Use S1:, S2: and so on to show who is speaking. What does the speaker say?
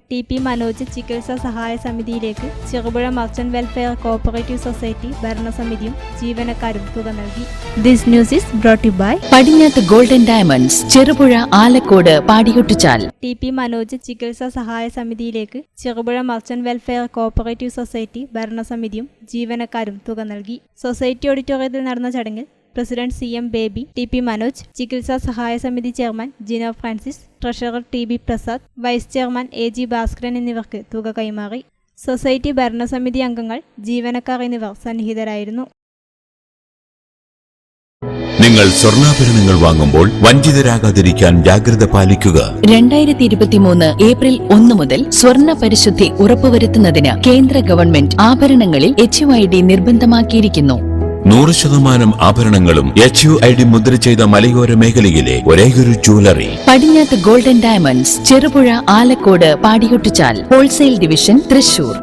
S1: TP. Manoj ചികിത്സാ സഹായ സമിതിയിലേക്ക് Cherupuzha merchant welfare cooperative society ഭരണസമിതിയും ജീവനക്കാരും തുക നൽകി. This news is brought you by
S2: Padinjath golden diamonds, Cherupuzha, Alakode, Padiyottuchal.
S1: T P. Manoj ചികിത്സാ സഹായ സമിതിയിലേക്ക് Cherupuzha merchant welfare cooperative society ഭരണസമിതിയും ജീവനക്കാരും തുക നൽകി. സൊസൈറ്റി ഓഡിറ്റോറിയത്തിൽ നടന്ന ചടങ്ങിൽ president CM Baby, T P. Manoj, ചികിത്സാ സഹായ സമിതി chairman Jino Francis, treasurer TB Prasad, vice chairman AG Bhaskaran എന്നിവർക്ക് തുക കൈമാറി. സൊസൈറ്റി ഭരണസമിതി അംഗങ്ങൾ, ജീവനക്കാർ എന്നിവർ സന്നിഹിതരായിരുന്നു.
S3: നിങ്ങൾ സ്വർണ്ണാഭരണങ്ങൾ വാങ്ങുമ്പോൾ വഞ്ചിതരാകാതിരിക്കാൻ ജാഗ്രത പാലിക്കുക.
S2: 2023 ഏപ്രിൽ 1 മുതൽ സ്വർണ്ണ പരിശുദ്ധി ഉറപ്പുവരുത്തുന്നതിന് കേന്ദ്ര ഗവൺമെന്റ് ആഭരണങ്ങളിൽ HUID നിർബന്ധമാക്കിയിരിക്കുന്നു.
S3: 100% ആഭരണങ്ങളും HUID മുദ്ര ചെയ്ത മലയോര മേഖലയിലെ ഒരേയൊരു jewellery
S2: Padinjath golden diamonds, Cherupuzha, Alakode, Padiyottuchal. Wholesale division, Thrissur.